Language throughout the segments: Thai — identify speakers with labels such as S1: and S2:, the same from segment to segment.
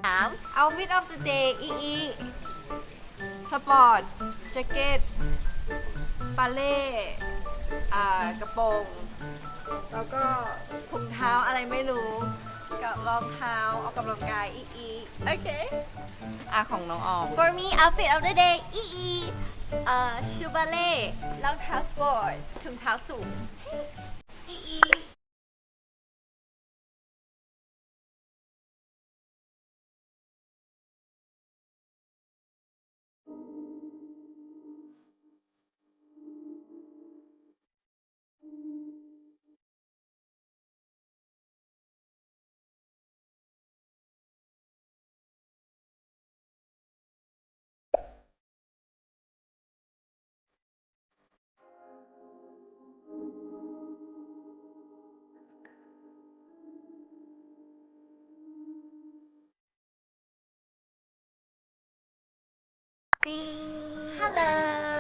S1: Outfit of the day อีสปอร์ตแจ็คเก็ตบาเล่กระโปรงแล้วก็ถุงเท้าอะไรไม่รู้กับรองเท้าออกกำลังกายโอเคของน้องออม
S2: For me outfit of the day ชูบาเล่รองเท้าสปอร์ตถุงเท้าสูงHello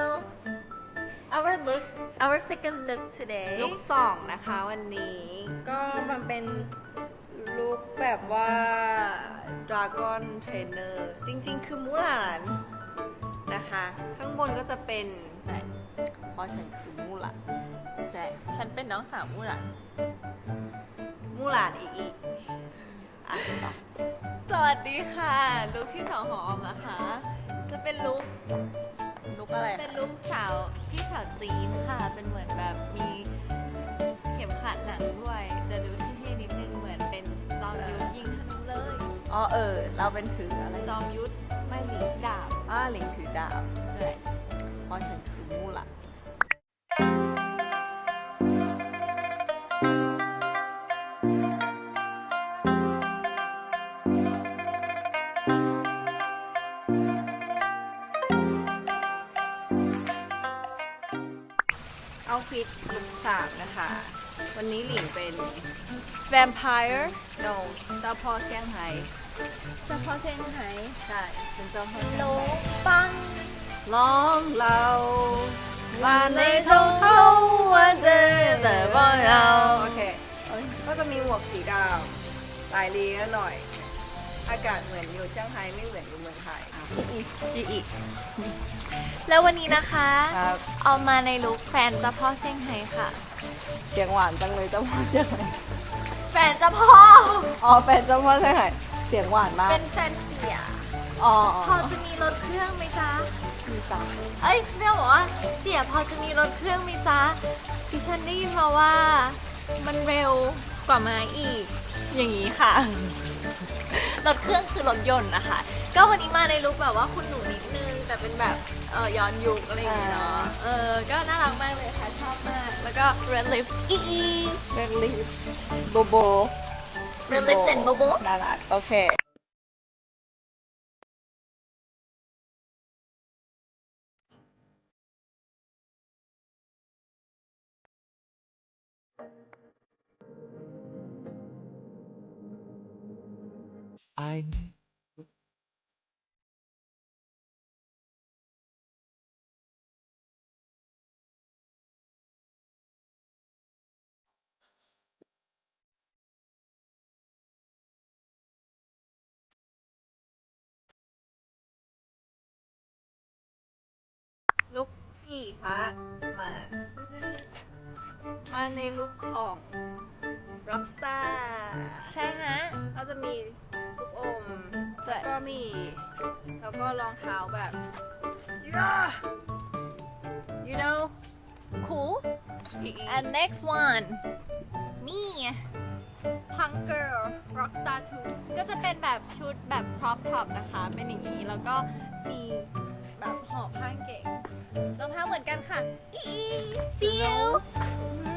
S2: our second look today
S1: ลุคสองนะคะวันนี้ก็มันเป็นลุคแบบว่า Dragon Trainer จริงๆคือมูหลานนะคะข้างบนก็จะเป็นเพราะฉันคือมูหลาน
S2: แต่ฉันเป็นน้องสาวมู่หลาน
S1: มูหลานอีกต่อ
S2: สวัสดีค่ะลุคที่สองของออมนะคะจะเป็นลุค
S1: อะไร
S2: เป็นลุคสาวพี่สาวจีนค่ะเป็นเหมือนแบบมีเข็มขัดหนังด้วยจะดูเท่ๆนิดนึงเหมือนเป็นจอมยุทธยิงธนูเลย
S1: เราเป็นถืออะไร
S2: จอมยุทธไม่หลิงดาบ
S1: หลิงถือดาบ
S2: ใช่
S1: เพราะฉันคือมูหลานเอาฟิตลุคสามนะคะ วันนี้หลิงเป็น
S2: Vampire
S1: no เจ้าพ่อเซี่ยงไฮ้
S2: เฉพาะเซี่ยงไฮ้
S1: ใช่เป็นเจ้าพ่อเซี่ยง
S2: โล
S1: ไฮ้
S2: ปัง
S1: ร้องเราว่าในทงเขาว่าเจอแต่ว่าเราโอเคก็จะมีหมวกสีดำลายลีหน่อย อากาศเหมือนอยู่เซี่ยงไฮ้ไม่เหมือนอยู่เมืองไทยอีก
S2: แล้ววันนี้นะคะ
S1: ครับ
S2: เอามาในลุคแฟนเจ้าพ่อเซี่ยงไฮ้ค่ะ
S1: เสียงหวานจังเลยเจ้าพ่อเซี่ยงไฮ้
S2: แฟนเจ้าพ่อ
S1: แฟนเจ้าพ่อเซี่ยงไฮ้เสียงหวานมาก
S2: เป็นแฟนเสีย พอจะมีรถเครื่องไหมจ๊ะ
S1: มีจ้า
S2: เอ้ยเรียกบอกว่าเสียพอจะมีรถเครื่องไหมจ๊ะดิฉันได้ยินมาว่ามันเร็วกว่าม้าอีก อย่างนี้ค่ะ รถเครื่องคือรถยนต์นะคะ ก็วันนี้มาในลุคแบบว่าคุณหนูนิดนึง แต่เป็นแบบย้อนยุคอะไรอย่างเงี้ยเนาะก็น่ารักมากเลยค่ะ ชอบมาก แล้วก็ red lips
S1: เรนลีฟโบโบ
S2: red lips and bobo
S1: น่ารักโอเค
S3: I
S1: ลุคสี่ค่ะมาในลุคของ rockstar
S2: ใช่ฮะ
S1: ก็จะมีลูกอมแล้วก็มีแล้วก็รองเท้าแบบ you know
S2: cool and next one me punk girl rockstar 2 ก็จะเป็นแบบชุดแบบ crop top นะคะ เป็นอย่างนี้ แล้วก็มีแบบห่อผ้าเก๋งรองเท้าเหมือนกันค่ะsee you